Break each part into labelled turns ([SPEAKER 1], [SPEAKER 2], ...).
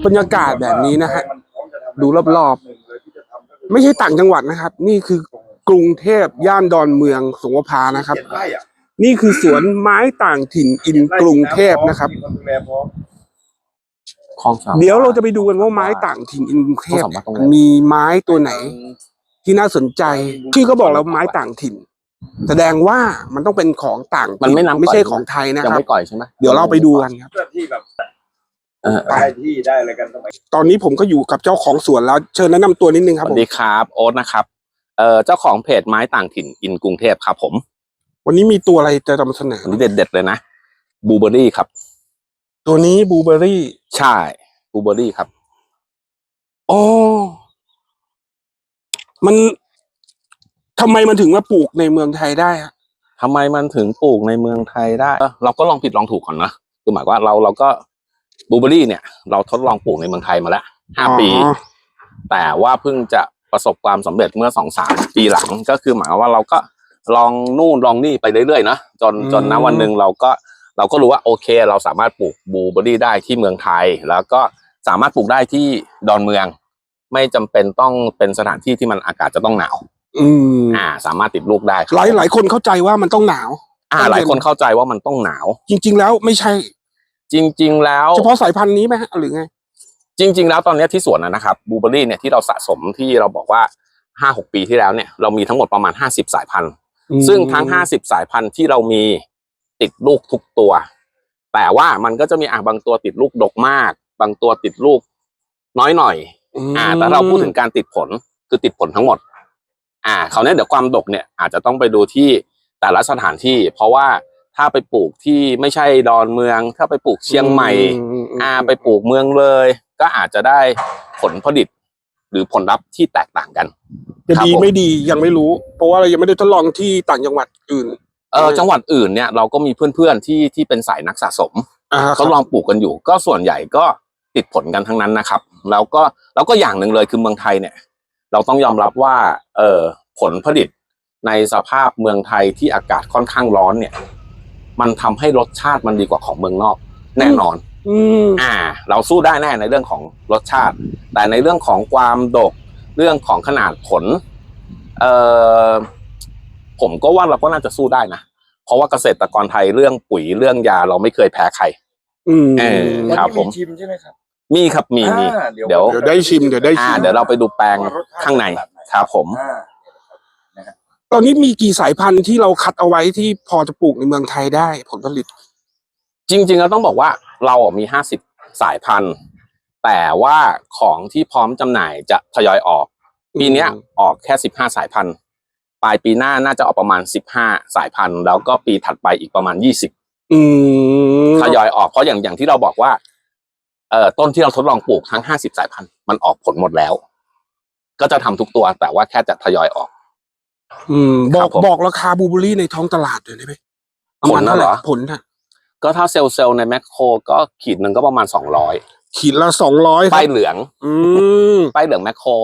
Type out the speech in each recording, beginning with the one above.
[SPEAKER 1] บรรยากาศแบบนี้นะฮะดูรอบๆไม่ใช่ต่างจังหวัดนะครับนี่คือกรุงเทพย่านดอนเมืองสงขลานะครับนี่คือสวนไม้ต่างถิ่นอินกรุงเทพนะครับเดี๋ยวเราจะไปดูกันว่าไม้ต่างถิ่นอินกรุงเทพมีไม้ตัวไหนที่น่าสนใจชื่อก็บอกแล้วไม้ต่างถิ่นแสดงว่ามันต้องเป็นของต่างมันไม่ใช่ของไทยนะครับยังไม่ก่อยใช่ไหมเดี๋ยวเราไปดูกันครับที่แบบได้ที่ได้อะไรกันตอนนี้ผมก็อยู่กับเจ้าของสวนแล้วเชิญแนะนำตัวนิดนึงครับ
[SPEAKER 2] สวัสดีครับโอ๊ตนะครับเจ้าของเพจไม้ต่างถิ่นอินกรุงเทพครับผม
[SPEAKER 1] วันนี้มีตัวอะไรจะนำเสนอ
[SPEAKER 2] วันนี้เด็ดๆเลยนะบลูเบอร์รี่ครับ
[SPEAKER 1] ตัวนี้บลูเบอร์รี่
[SPEAKER 2] ใช่บลูเบอร์รี่ครับ
[SPEAKER 1] อ๋อมันทำไมมันถึงมาปลูกในเมืองไทยได้ฮะ
[SPEAKER 2] ทำไมมันถึงปลูกในเมืองไทยได้เราก็ลองผิดลองถูกก่อนนะคือหมายว่าเราก็บลูเบอร์รี่เนี่ยเราทดลองปลูกในเมืองไทยมาแล้ว5 ปีแต่ว่าเพิ่งจะประสบความสำเร็จเมื่อ2-3 ปีหลังก็คือหมายว่าเราก็ลองนู่นลองนี่ไปเรื่อยๆนะจนณวันหนึ่งเราก็รู้ว่าโอเคเราสามารถปลูกบลูเบอร์รี่ได้ที่เมืองไทยแล้วก็สามารถปลูกได้ที่ดอนเมืองไม่จำเป็นต้องเป็นสถานที่ที่มันอากาศจะต้องหนาวสามารถติดลูกได้
[SPEAKER 1] หลายคนเข้าใจว่ามันต้องหนาว
[SPEAKER 2] หลายคนเข้าใจว่ามันต้องหนาว
[SPEAKER 1] จริงๆแล้วไม่ใช่
[SPEAKER 2] จริงๆแล้ว
[SPEAKER 1] เฉพาะสายพันธุ์นี้ไหมหรือไง
[SPEAKER 2] จริงๆแล้วตอนนี้ที่สวนนะครับบลูเบอร์รี่เนี่ยที่เราสะสมที่เราบอกว่า 5-6 ปีที่แล้วเนี่ยเรามีทั้งหมดประมาณ50 สายพันธุ์ซึ่งทั้ง50 สายพันธุ์ที่เรามีติดลูกทุกตัวแต่ว่ามันก็จะมีบางตัวติดลูกดกมากบางตัวติดลูกน้อยหน่อยแต่เราพูดถึงการติดผลคือติดผลทั้งหมดคราวนี้เดี๋ยวความดกเนี่ยอาจจะต้องไปดูที่แต่ละสถานที่เพราะว่าถ้าไปปลูกที่ไม่ใช่ดอนเมืองถ้าไปปลูกเชียงใหม่ไปปลูกเมืองเลยก็อาจจะได้ผลผลิตหรือผลลัพธ์ที่แตกต่างกัน
[SPEAKER 1] จะดีไม่ดียังไม่รู้เพราะว่าเรายังไม่ได้ทดลองที่ต่างจังหวัดอื่น
[SPEAKER 2] จังหวัดอื่นเนี่ยเราก็มีเพื่อนๆที่เป็นสายนักสะสมทดลองปลูกกันอยู่ก็ส่วนใหญ่ก็ติดผลกันทั้งนั้นนะครับแล้วก็อย่างหนึ่งเลยคือเมืองไทยเนี่ยเราต้องยอมรับว่าผลผลิตในสภาพเมืองไทยที่อากาศค่อนข้างร้อนเนี่ยมันทำให้รสชาติมันดีกว่าของเมืองนอกแน่นอนเราสู้ได้แน่ในเรื่องของรสชาติแต่ในเรื่องของความดกเรื่องของขนาดผลผมก็ว่าเราก็น่าจะสู้ได้นะเพราะว่าเกษตรกรไทยเรื่องปุ๋ยเรื่องยาเราไม่เคยแพ้ใครครับผม
[SPEAKER 3] ชิมใช่ไหมครับ
[SPEAKER 2] มีครับมี
[SPEAKER 1] เดี๋ยวได้ชิมเดี๋ยว
[SPEAKER 2] เราไปดูแปลงข้างในครับผม
[SPEAKER 1] ตอนนี้มีกี่สายพันธุ์ที่เราคัดเอาไว้ที่พอจะปลูกในเมืองไทยได้ผลผลิต
[SPEAKER 2] จริงๆเราต้องบอกว่าเรามี50 สายพันธุ์แต่ว่าของที่พร้อมจำหน่ายจะทยอยออกปีนี้ออกแค่15 สายพันธุ์ปลายปีหน้าน่าจะออกประมาณ15 สายพันธุ์แล้วก็ปีถัดไปอีกประมาณ20ทยอยออกเพราะอย่างที่เราบอกว่าต้นที่เราทดลองปลูกทั้ง50 สายพันธุ์มันออกผลหมดแล้วก็จะทำทุกตัวแต่ว่าแค่จะทยอยออก
[SPEAKER 1] บอกราคาบลูเบอร์รี่ในท้องตลาดเลยได้ไหม
[SPEAKER 2] ผลน่ะเหรอ
[SPEAKER 1] ผลน่ะ
[SPEAKER 2] ก็ถ้าเซลล์ในแมคโครก็ขีดหนึ่งก็ประมาณ200
[SPEAKER 1] ขีดละ200
[SPEAKER 2] ป้ายเหลืองป้ายเหลืองแมคโคร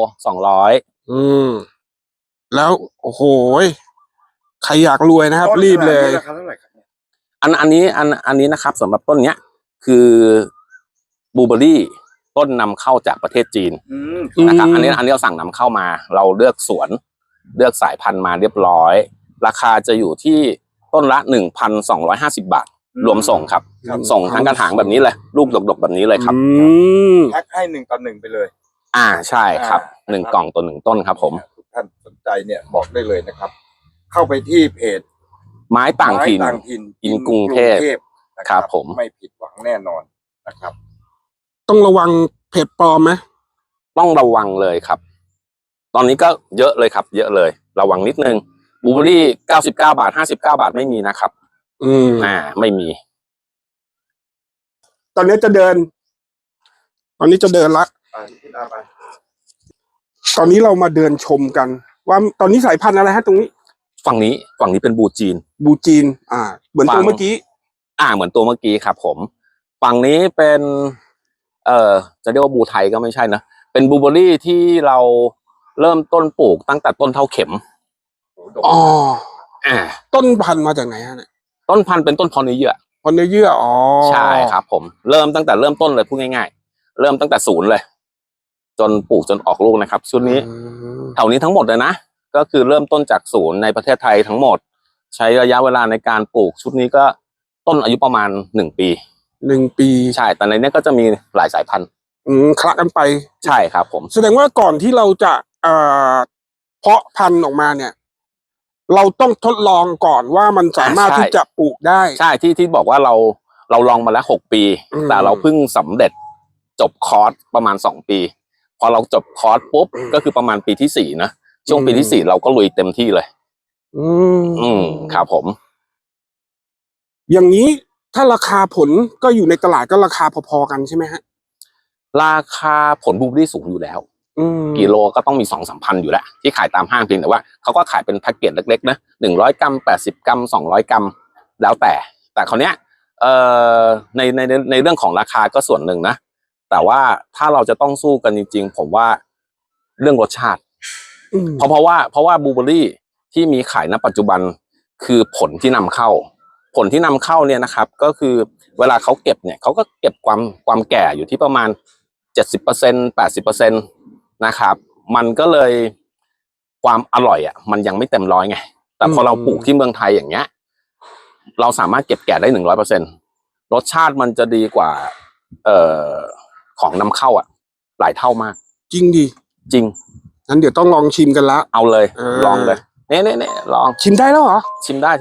[SPEAKER 2] 200
[SPEAKER 1] แล้วโอ้โหใครอยากรวยนะครับรีบเลย
[SPEAKER 3] ราคาเท่าไหร่ครับ
[SPEAKER 2] อันนี้นะครับสำหรับต้นเนี้ยคือบลูเบอร์รี่ต้นนำเข้าจากประเทศจีนนะครับอันนี้เราสั่งนำเข้ามาเราเลือกสวนเลือกสายพันธุ์มาเรียบร้อยราคาจะอยู่ที่ต้นละ 1,250 บาทรวมส่งครับส่งทั้งกระถางแบบนี้เลยลูกดกๆแบบนี้เลยครับ
[SPEAKER 3] แพ็คให้1 ต่อ 1ไปเลย
[SPEAKER 2] ใช่ครับ1 กล่องต่อ 1 ต้นครับผม
[SPEAKER 3] ท่านสนใจเนี่ยบอกได้เลยนะครับเข้าไปที่เพจ
[SPEAKER 2] ไม้ต่างถิ่นอินกรุงเทพครับผม
[SPEAKER 3] ไม่ผิดหวังแน่นอนนะครับ
[SPEAKER 1] ต้องระวังเพจปลอมไหม
[SPEAKER 2] ต้องระวังเลยครับตอนนี้ก็เยอะเลยครับเยอะเลยระวังนิดนึงบลูเบอร์รี่99 บาท59 บาทไม่มีนะครับไม่มี
[SPEAKER 1] ตอนนี้จะเดินละตอนนี้เรามาเดินชมกันว่าตอนนี้สายพันธุ์อะไรฮะตรงนี้
[SPEAKER 2] ฝั่งนี้เป็นบลูจีน
[SPEAKER 1] เหมือนตัวเมื่อกี้
[SPEAKER 2] เหมือนตัวเมื่อกี้ครับผมฝั่งนี้เป็นจะเรียกว่าบลูไทยก็ไม่ใช่นะเป็นบลูเบอร์รี่ที่เราเริ่มต้นปลูกตั้งแต่ต้นเท่าเข็ม
[SPEAKER 1] ต้นพันธุ์มาจากไหนฮะเนี่ย
[SPEAKER 2] ต้นพันธุ์เป็นต้นพอเนื้อเยื่อ
[SPEAKER 1] ใช่
[SPEAKER 2] ครับผมตั้งแต่เริ่มต้นเลยพูดง่ายเริ่มตั้งแต่ศูนย์เลย จนปลูกจนออกลูกนะครับชุดนี้แถวนี้ทั้งหมดเลยนะก็คือเริ่มต้นจากศูนย์ในประเทศไทยทั้งหมดใช้ระยะเวลาในการปลูกชุดนี้ก็ต้นอายุประมาณ1 ปีใช่แต่ในนี้ก็จะมีหลายสายพันธุ์
[SPEAKER 1] คละกันไป
[SPEAKER 2] ใช่ครับผม
[SPEAKER 1] แสดงว่าก่อนที่เราจะเพาะพันธุ์ออกมาเนี่ยเราต้องทดลองก่อนว่ามันสามารถที่จะปลูกได้
[SPEAKER 2] ใช่ที่บอกว่าเราลองมาแล้ว6 ปีแต่เราเพิ่งสำเร็จจบคอร์สประมาณ2 ปีพอเราจบคอร์สปุ๊บก็คือประมาณปีที่4นะช่วงปีที่4เราก็ลุยเต็มที่เลยครับผม
[SPEAKER 1] อย่างนี้ถ้าราคาผลก็อยู่ในตลาดก็ราคาพอๆกันใช่ไหมฮะ
[SPEAKER 2] ราคาผลบลูเบอร์รี่สูงอยู่แล้วกิโลก็ต้องมี 2-3 พันอยู่แล้วที่ขายตามห้างเพียงแต่ว่าเขาก็ขายเป็นแพ็กเกจเล็กๆนะ100 กรัม80 กรัม200 กรัมแล้วแต่คราวเนี้ยในเรื่องของราคาก็ส่วนหนึ่งนะแต่ว่าถ้าเราจะต้องสู้กันจริงๆผมว่าเรื่องรสชาติเพราะว่าบลูเบอร์รี่ที่มีขายณปัจจุบันคือผลที่นำเข้าเนี่ยนะครับก็คือเวลาเขาเก็บเนี่ยเขาก็เก็บความแก่อยู่ที่ประมาณ 70% 80%นะครับมันก็เลยความอร่อยอ่ะมันยังไม่เต็มร้อยไงแต่พอเราปลูกที่เมืองไทยอย่างเงี้ยเราสามารถเก็บแก่ได้ 100% รสชาติมันจะดีกว่าของนำเข้าอ่ะหลายเท่ามาก
[SPEAKER 1] จริงดิ
[SPEAKER 2] จริง
[SPEAKER 1] งั้นเดี๋ยวต้องลองชิมกันละ
[SPEAKER 2] เอาเลยลองเลยเนี่ยลอง
[SPEAKER 1] ชิมได้แล้วเหรอ
[SPEAKER 2] ชิมได้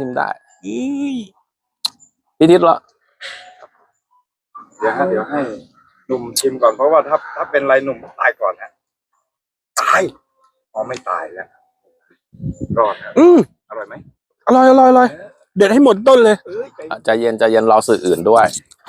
[SPEAKER 2] พี่ทิศละ
[SPEAKER 3] เดี๋ยวให้หนุ่มชิมก่อนเพราะว่าถ้าเป็นไรหนุ่มตายก่อนฮะตายไม่ตายแล้วรอดอร่อยไหม
[SPEAKER 1] อร่อยเด็ดให้หมดต้นเลย
[SPEAKER 2] ใจเย็นรอสื่ออื่นด้วย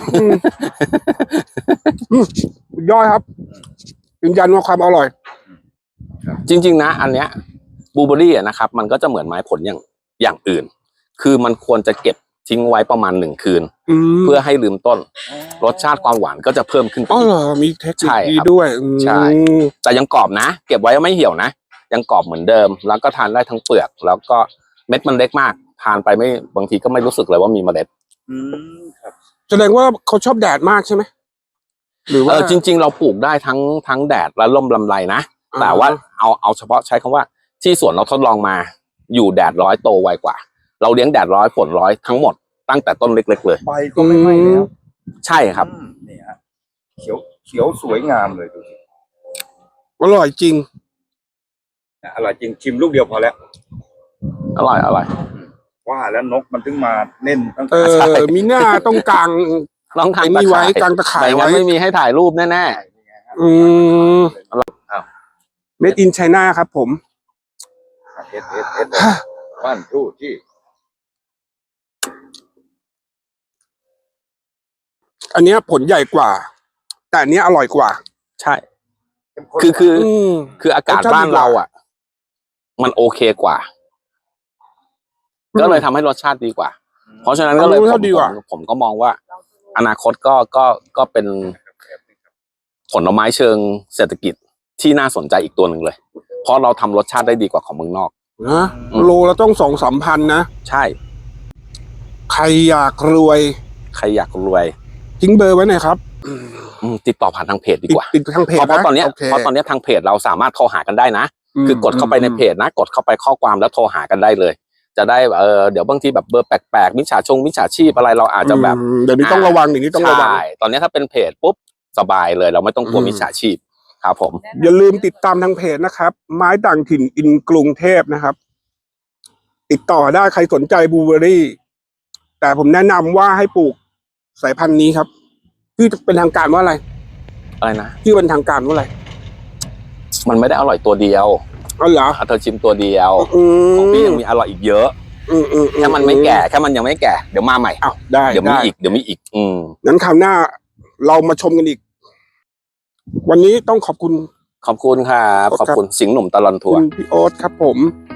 [SPEAKER 1] ย่อยครับยืนยันว่าความอร่อย
[SPEAKER 2] จริงๆนะอันเนี้ยบลูเบอร์รี่นะครับมันก็จะเหมือนไม้ผลอย่างอื่นคือมันควรจะเก็บทิ้งไว้ประมาณ1 คืนเพื่อให้ลืมต้นรสชาติความหวานก็จะเพิ่มขึ้น
[SPEAKER 1] อ๋อเหรอมีเทคนิคดีด้วย
[SPEAKER 2] ใช่แต่ยังกรอบนะเก็บไว้ไม่เหี่ยวนะยังกรอบเหมือนเดิมแล้วก็ทานได้ทั้งเปลือกแล้วก็เม็ดมันเล็กมากทานไปไม่บางทีก็ไม่รู้สึกเลยว่ามีเมล็ด
[SPEAKER 1] ครับแสดงว่าเขาชอบแดดมากใช่ไหม
[SPEAKER 2] หรือว่าจริงๆเราปลูกได้ทั้งแดดและร่มลำไรนะแต่ว่าเอาเฉพาะใช้คำว่าที่สวนเราทดลองมาอยู่แดดร้อยโตไวกว่าเราเลี้ยงแดดร้อยฝนร้อยทั้งหมดตั้งแต่ต้นเล็กๆเลย
[SPEAKER 3] ใบก็ไม่ไหม้แล้ว
[SPEAKER 2] ใช่ครับ
[SPEAKER 3] นี่ฮะเขียวสวยงามเลยดูสิ
[SPEAKER 1] อร่อยจริง
[SPEAKER 3] ชิมลูกเดียวพอแล้ว
[SPEAKER 2] อร่อย
[SPEAKER 3] ว่าแล้วนกมันถึงมาเน่นตั้ง
[SPEAKER 1] มีหน้าต้องกลาง
[SPEAKER 2] ลองทำ
[SPEAKER 1] ไว้กลางตะข่ายไว้
[SPEAKER 2] ไม่มีให้ถ่ายรูปแน่
[SPEAKER 1] เมดอินไชน่าครับผม
[SPEAKER 3] วันทูที่
[SPEAKER 1] อันนี้ผลใหญ่กว่าแต่อันนี้อร่อยกว่า
[SPEAKER 2] ใช่คืออากาศบ้านเราอ่ะมันโอเคกว่าก็เลยทำให้รสชาติดีกว่าเพราะฉะนั้นก็เลยผมก็มองว่าอนาคตก็เป็นผลไม้เชิงเศรษฐกิจที่น่าสนใจอีกตัวหนึ่งเลยเพราะเราทำรสชาติได้ดีกว่าของเมืองนอก
[SPEAKER 1] นะโลละต้อง2-3 พันนะ
[SPEAKER 2] ใช่
[SPEAKER 1] ใครอยากรวยทิ้งเบอร์ไว้หน่อยครับ
[SPEAKER 2] ติดต่อผ่านทางเพจดีกว่า
[SPEAKER 1] ติดทางเพจ
[SPEAKER 2] เพราะตอนนี้ทางเพจเราสามารถโทรหากันได้นะคือกดเข้าไปในเพจนะกดเข้าไปข้อความแล้วโทรหากันได้เลยจะได้เดี๋ยวบางทีแบบเบอร์แปลกๆมิจฉาชีพอะไรเราอาจจะแบบ
[SPEAKER 1] เดี๋ยวนี้ต้องระวัง
[SPEAKER 2] ใช่ตอนนี้ถ้าเป็นเพจปุ๊บสบายเลยเราไม่ต้องกลัวมิจฉาชีพครับผม
[SPEAKER 1] อย่าลืมติดตามทางเพจนะครับไม้ต่างถิ่นอินกรุงเทพนะครับติดต่อได้ใครสนใจบลูเบอร์รี่แต่ผมแนะนำว่าให้ปลูกสายพันธุ์นี้ครับชื่อเป็นทางการว่าอะไร
[SPEAKER 2] นะ
[SPEAKER 1] ชื่อเป็นทางการว่าอะไร
[SPEAKER 2] มันไม่ได้อร่อยตัวเดียว
[SPEAKER 1] อ๋อเหรอ
[SPEAKER 2] เธอชิมตัวเดียวของพี่ยังมีอร่อยอีกเยอะแค่มันไม่แก่แค่มันยังไม่แก่เดี๋ยวมาใหม่
[SPEAKER 1] ได้
[SPEAKER 2] เดี๋ยวมีอีก
[SPEAKER 1] งั้นคราวหน้าเรามาชมกันอีกวันนี้ต้องขอบคุณ
[SPEAKER 2] ครับขอบคุณสิงห์หนุ่มตลอดทัวร์
[SPEAKER 1] พี่โอ๊ตครับผม